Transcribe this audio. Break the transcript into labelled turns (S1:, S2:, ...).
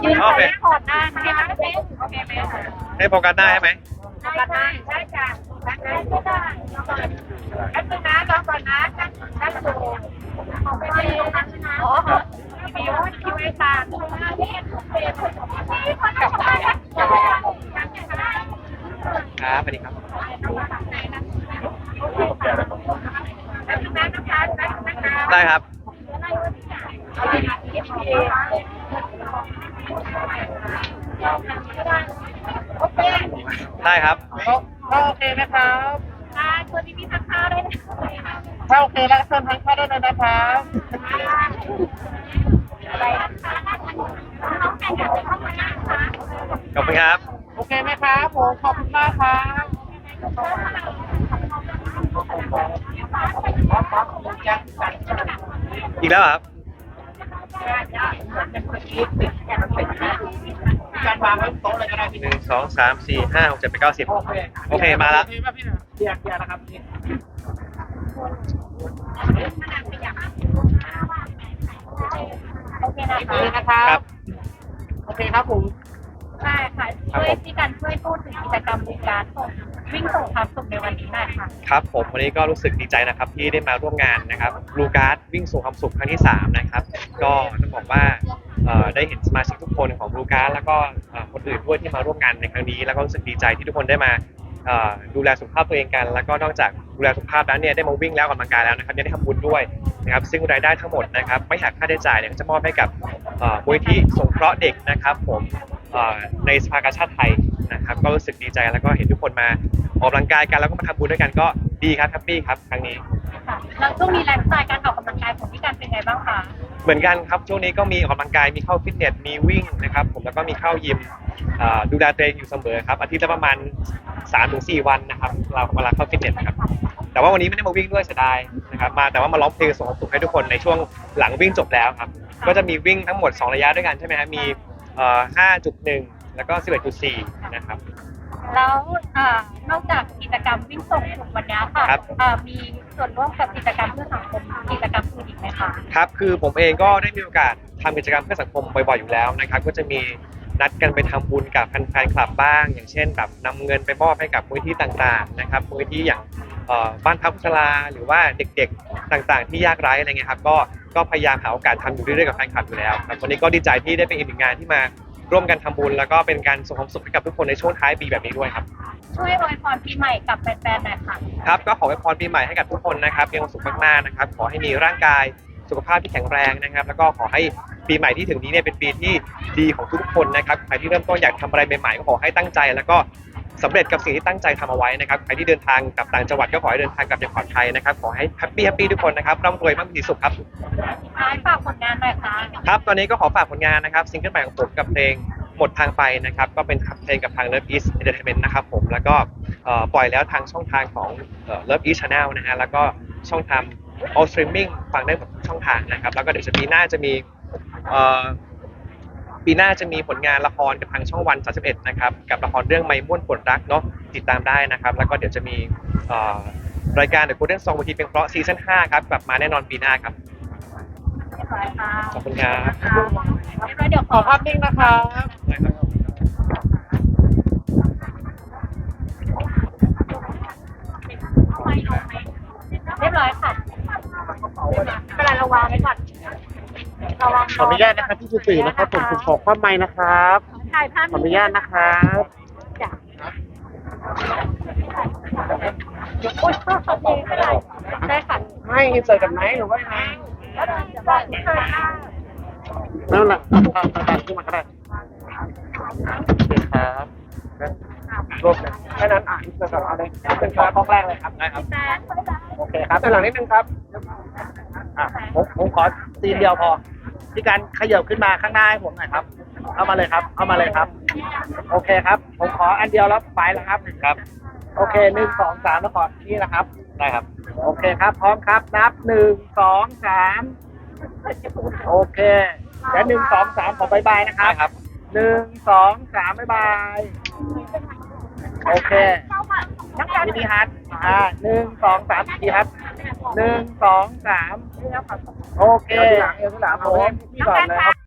S1: โอเค
S2: ขอดได้ไหมคะโอเคไหมคะ
S1: ให้โฟกัสหน้าใช่ไหม
S2: ได้ได้จ้ะได้ได้แป๊บนึงนะรอก่อนนะตั้งดูของไปดีนะอ๋อคิวไอ้ตากับใครอ่ะ
S1: ครับสวัสดีครับ
S2: แป๊บนึงนะนะคะแป๊บนึงนะคะ
S1: ได้ครับ
S2: โอเค
S1: ได้ครับ
S3: ถ้าโอเคนะครับ
S2: ค่ะตัวนี้มีทานข้าวด้วยนะ
S3: ถ้าโอเคแล้วเชิญทานข้าวได้เลยนะครับ
S2: อะไรน้องแข่งกันเข้ามานะคะ
S1: ขอบคุณครับ
S3: โอเคไหมครับผมขอบคุณมากครับ
S1: อีกแล้วเหรอครับ
S3: การวางไว้โต๊ะเลยก็ได้พี่
S1: หนึ่งสองสามสี่ห้าหกเจ็ดแปดเก้าสิบโอเคมาแล้ว
S3: โอเคป่ะพี่นะเกียร์นะครับพี่
S2: โอเคนะ
S3: โอ
S2: คะ
S3: เคนะครับ
S1: ครับ
S3: โอเคครับผม
S2: ใช่ค่ะช่วยที่การช่วยพูดถึงกิจกรรมบริการส่งวิ่งส่งความสุขในวันนี้หน่อยค่ะ
S1: ครับผมวันนี้ก็รู้สึกดีใจนะครับที่ได้มาร่วมงานนะครับลูการ์ดวิ่งสู่ความสุขครั้งที่3นะครับก็ต้องบอกว่าได้เห็นสมาชิกทุกคนของลูการ์ดแล้วก็คนอื่นด้วยที่มาร่วมงานในครั้งนี้แล้วก็รู้สึกดีใจที่ทุกคนได้มาดูแลสุขภาพตัวเองกัน แล้วก็นอกจากดูแลสุขภาพแล้วเนี่ยได้มาวิ่งแล้วออกกำลังกายแล้วนะครับยังได้ทำบุญด้วยนะครับซึ่งรายได้ทั้งหมดนะครับไม่หักค่าใช้จ่ายเนี่ยจะมอบให้กับมูลนิธิสงเคราะห์เด็กนะครับผมในสภากาชาดไทยนะครับก็รู้สึกดีใจแล้วก็เห็นทุกคนมาออกกำลังกายกันแล้วก็มาทำบุญด้วยกันก็ดีครับแฮปปี้ครับครั้งนี้
S2: ค่ะแล้วช่วงนี้ไลฟ์สไตล์การออกกำลังกายของพี่การเป็นไงบ้างคะ
S1: เหมือนกันครับช่วงนี้ก็มีออกกำลังกายมีเข้าฟิตเนสมีวิ่งนะครับผมแล้วก็มีเข้ายิมดูแลตัวเองอยู่เสมอครับอาทิตย์ละประมาณ 3-4 วันนะครับเราเวลาเข้าฟิตเนสนะครับแต่ว่าวันนี้ไม่ได้มาวิ่งด้วยเสียดายนะครับแต่ว่ามาร้องเพลงส่งความสุขให้ทุกคนในช่วงหลังวิ่งจบแล้วครับก็จะมีวิ่งทั้งหมด2ระยะด้วยกันใช่ไหมครับมี5.1 แล้วก็ 11.4 นะครับ
S2: แล้วนอกจากกิจกรรมวิ่งส่งสุขวันนี้ค่ะ
S1: ครับ
S2: มีส่วนร่วมกับกิจกรรมเพื่อสังคมกิจกรรมอื่นอีกไหมคะ
S1: ครับคือผมเองก็ได้มีโอกาสทำกิจกรรมเพื่อสังคมบ่อยๆอยู่แล้วนะครับก็จะมีนัดกันไปทำบุญกับแฟนๆคลับบ้าง อย่างเช่นแบบนำเงินไปมอบให้กับมูลนิธิต่างๆนะครับมูลนิธิอย่างบ้านพักชราหรือว่าเด็กๆต่างๆ ที่ยากไร้อะไรเงี้ยครับก็พยายามหาโอกาสทำอยู่เรื่อยๆกับแฟนคลับอยู่แล้วครับวันนี้ก็ดีใจที่ได้เป็นอีกหนึ่งงานที่มาร่วมกันทำบุญแล้วก็เป็นการส่งความสุขให้กับทุกคนในช่วงท้ายปีแบบนี้ด้วยครับ
S2: ช่วยอวยพรปีใหม่กับแฟนๆหน่อยค่ะ
S1: ครับก็ขออวยพรปีใหม่ให้กับทุกคนนะครับมีความสุขมากๆนะครับขอให้มีร่างกายสุขภาพที่แข็งแรงนะครับแล้วก็ขอให้ปีใหม่ที่ถึงนี้เนี่ยเป็นปีที่ดีของทุกคนนะครับใครที่เริ่มต้นอยากทำอะไรใหม่ๆก็ขอให้ตั้งใจแล้วก็สำเร็จกับสิ่งที่ตั้งใจทำเอาไว้นะครับใครที่เดินทางกลับต่างจังหวัดก็ขอให้เดินทางกลับอย่างปลอดภัยนะครับขอให้แฮปปี้ทุกคนนะครับร่ำรวยมั่งมีสุขครับ
S2: ท้ายฝากผลงานหน่อยค่ะ
S1: ครับตอนนี้ก็ขอฝากผลงานนะครับซิงเกิลใหม่ของผมกับเพลงหมดทางไปนะครับก็เป็นเพลงกับทาง Love East Entertainment นะครับผมแล้วก็ปล่อยแล้วทางช่องทางของLove East Channel นะฮะแล้วก็ช่องทาง All Streaming ฟังได้หมดทุกช่องทางนะครับแล้วก็เดี๋ยวปีหน้าจะมีผลงานละครกับทางช่องวัน31นะครับกับละครเรื่องไม่ม่วนปวดรักเนาะติดตามได้นะครับแล้วก็เดี๋ยวจะมีรายการ The Golden Song บางทีเพลงเพราะซีซั่น5ครับกลับมาแน่นอนปีหน้าครับ
S2: เรียบร้อยค่ะ
S1: ขอบคุณครับ
S2: เรียบร้อยเดี๋ยว
S3: ขอภาพนิ่งนะครับ
S2: เรียบร้อยค่ะเวลาเราวางไว้ก่อนระวัง
S3: ขออนุญาตนะครับที่สื่อนะครับผมขอความไม้นะครับ
S2: ถ่ายภาพ
S3: ขออนุญาตนะครับ
S2: จ้ะอุ้ยขอบคุณไม่ได้ได้ค่ะ
S3: ให้อินเสิร์ตกับไหนหรือว่าไง
S2: จะบอกเชิญค่ะ
S3: นั่นแหละตัดขึ้นมาก็ได้โอเคครับรวบเลยแค่นั้นอินเสิร์ตกับเอาเลยเป็นข้อแรกเลยครับได้ครับ
S2: แฟน
S3: โอเคครับด้านหลังนิดนึงครับผมขอซีนเดียวพอที่การขยับขึ้นมาข้างหน้าให้ผมหน่อยครับเข้ามาเลยครับเข้ามาเลยครับโอเคครับผมขออันเดียวแล้วไปแล้วครับ
S1: ครับ
S3: โอเค1 2 3แล้วขอนี่นะครับ
S1: ได้ครับ
S3: โอเคครับพร้อมครับนับ1 2 3โอเคเดี๋ยว1 2 3ขอบายบายนะครับ
S1: ได้ครับ
S3: 1 2 3บายบายโอเคพี่ดีฮัท1 2 3ดีฮัท1 2 3โอเคหลังผมพี่ก่อนเลยครับ